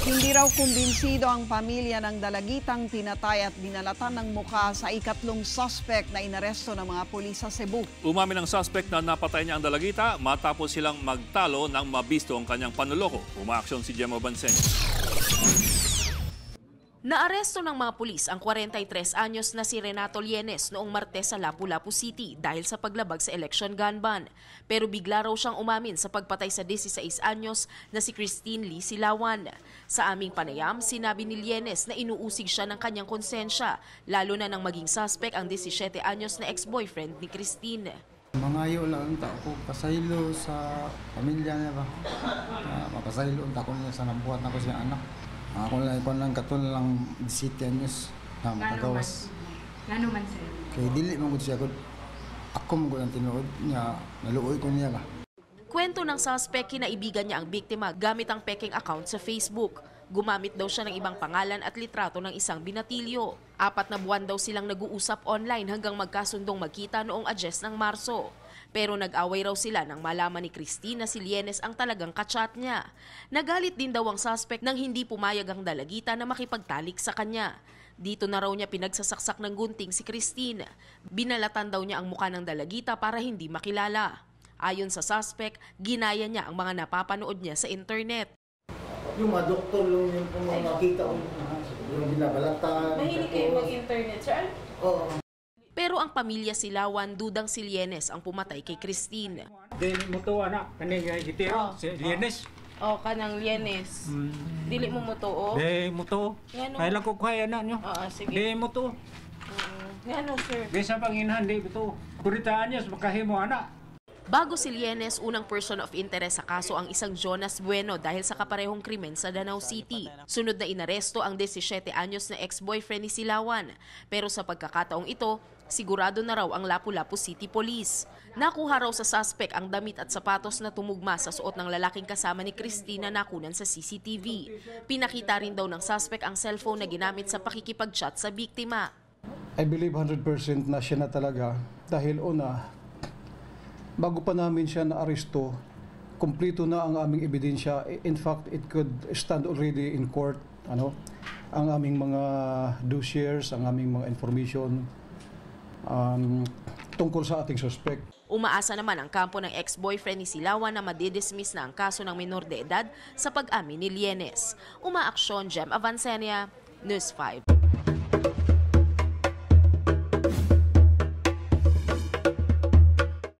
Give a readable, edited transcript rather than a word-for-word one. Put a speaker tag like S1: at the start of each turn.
S1: Hindi raw kumbinsido ang pamilya ng dalagitang pinatay at binalatan ng mukha sa ikatlong suspect na inaresto ng mga pulis sa Cebu.
S2: Umamin ang suspect na napatay niya ang dalagita matapos silang magtalo nang mabisto ang kanyang panloloko. Umaaksyon si Gemma Bansenya.
S3: Naaresto ng mga pulis ang 43 anyos na si Renato Lienes noong Martes sa Lapu-Lapu City dahil sa paglabag sa election gun ban. Pero bigla raw siyang umamin sa pagpatay sa 16 anyos na si Christine Lee Silawan. Sa aming panayam, sinabi ni Lienes na inuusig siya ng kanyang konsensya, lalo na nang maging suspect ang 17 anyos na ex-boyfriend ni Christine.
S4: Mangayo lang ako pasaylo sa pamilya niya ba. Mapasaylo ako niya sa nabuhat na ko siya anak. Ako lang katon lang 17 anyos na makagawas.
S5: Gano man sir?
S4: Kaya dili man gud siya gud. Ako mo gud ang tinuod niya, naluoy ko niya ba.
S3: Kwento ng suspect, kinaibigan niya ang biktima gamit ang peking account sa Facebook. Gumamit daw siya ng ibang pangalan at litrato ng isang binatilyo. 4 na buwan daw silang nag-uusap online hanggang magkasundong magkita noong Adyes ng Marso. Pero nag-away raw sila nang malaman ni Christine na si Lienes ang talagang kachat niya. Nagalit din daw ang suspect nang hindi pumayag ang dalagita na makipagtalik sa kanya. Dito na raw niya pinagsasaksak ng gunting si Christine. Binalatan daw niya ang mukha ng dalagita para hindi makilala. Ayon sa suspect, ginaya niya ang mga napapanood niya sa internet.
S4: Yung mga doktor lang yung makita ko yung binabalatan.
S5: Mahilig kayo mag-internet, sir?
S4: Oo.
S3: Pero ang pamilya Silawan dudang si Lienes ang pumatay kay Christine.
S6: Dili mo to anak, kani nga gitero, si Lienes.
S5: O, kanang Lienes. Dili mo mo to, o?
S6: Dili mo to.
S5: Ngano?
S6: Kaya lang ko kaya na nyo.
S5: Oo, sige.
S6: Dili mo to.
S5: Ngano, sir?
S6: Bisa panginhan, di mo to. Kuritaan niya, makahimo anak.
S3: Bago si Lienes, unang person of interest sa kaso ang isang Jonas Bueno dahil sa kaparehong krimen sa Danau City. Sunod na inaresto ang 17 anyos na ex-boyfriend ni Silawan. Pero sa pagkakataong ito, sigurado na raw ang Lapu-Lapu City Police. Nakuha raw sa suspect ang damit at sapatos na tumugma sa suot ng lalaking kasama ni Christina na nakunan sa CCTV. Pinakita rin daw ng suspect ang cellphone na ginamit sa pakikipag-chat sa biktima.
S7: I believe 100% na siya na talaga dahil bago pa namin siya na-aresto, kumpleto na ang aming ebidensya. In fact, it could stand already in court. Ang aming mga dossiers, ang aming mga information tungkol sa ating suspect.
S3: Umaasa naman ang kampo ng ex-boyfriend ni Silawan na madidismiss na ang kaso ng minor de edad sa pag-amin ni Lienes. Umaaksyon, Gemma Bansenya, News 5.